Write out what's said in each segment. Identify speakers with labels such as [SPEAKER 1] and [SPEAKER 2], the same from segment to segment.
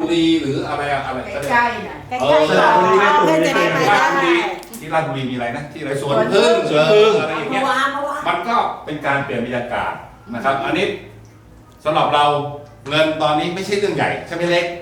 [SPEAKER 1] รีหรืออะไร
[SPEAKER 2] ใกล้ๆน่ะ
[SPEAKER 3] ใกล้ๆเราเพื่อจะได้ไป
[SPEAKER 1] ราชบุ
[SPEAKER 3] ได้
[SPEAKER 1] รีที่ราชบุรีมีอะไรนะที่อะไรสวนพึ่งอะไรอย่างเงี้ยมันก็เป็นการเปลี่ยนบรรยากาศนะครับ อันนี้สำหรับเราเงินตอนนี้ไม่ใช่เรื่องใหญ่ใช่ไหมเล็ก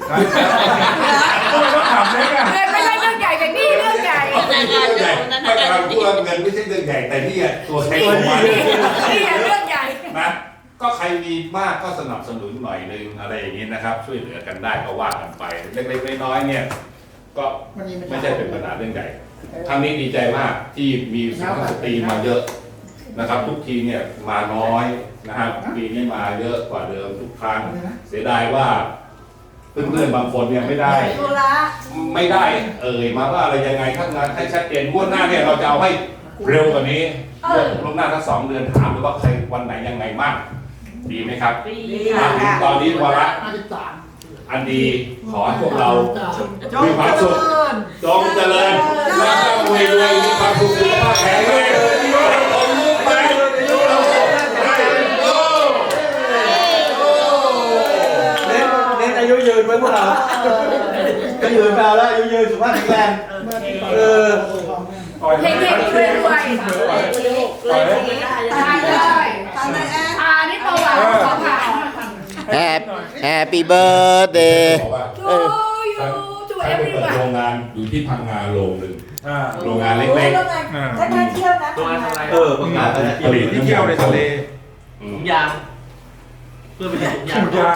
[SPEAKER 1] ก็ถามเล็กอะ
[SPEAKER 2] ไม่ใช่เรื่องใหญ่แต่นี่เรื่องใหญ่
[SPEAKER 1] ไม่ใช่เรื่องใหญ่ไม่กำลังพูดว่าเงินไม่ใช่เรื่องใหญ่แต่นี่ตัวใครตัวมัน
[SPEAKER 2] นี่เรื่องใหญ่
[SPEAKER 1] นะก็ใครมีมากก็สนับสนุนหน่อยนึงอะไรอย่างนี้นะครับ ช่วยเหลือกันได้ก็ว่ากันไปเล็กๆน้อยๆเนี่ยก็ไม่ใช่เป็นปัญหาเรื่องใหญ่ครั้งนี้ดีใจมากที่มีสุภาพสตรีมาเยอะนะครับ ทุกทีเนี่ยมาน้อยนะครับปีนี้มาเยอะกว่าเดิมทุกครั้งเสียดายว่าเพื่อนๆบางคนเนี่ยไม่ได้มาว่าอะไรยังไงข้างงานให้ชัดเจนงวดหน้าเนี่ยเราจะเอาให้เร็วกว่านี้ล่วงหน้าทั้ง2 เดือนถามเลยว่าใครวันไหนยังไงบ้างดีไหมครับดีค่ะตอนนี้วาระอันดีขอให้พวกเรามีความสุขจงเจริญและรวยมีความสุขสุขภาพแข็งแรง
[SPEAKER 4] เน้นอายุยืนไว้พวกเราก็ยืนไปแล้วอายุยืนสุขภาพแข็งแรง
[SPEAKER 2] เพ่งๆรวยๆตายเลยนี่ตัวหวานของผ่า
[SPEAKER 5] Happy birthday
[SPEAKER 2] ทูยูทูเอฟวีวัน
[SPEAKER 1] โรงงานอยู่ที่พังงาโรงหนึ่งโรงงานเล็กๆ
[SPEAKER 3] ถ้าเที่ยวนะ
[SPEAKER 4] ประกาศ
[SPEAKER 1] ผลิตที่เที่ยวในทะเล
[SPEAKER 4] ถุงยางเพื่อไปถุงยาง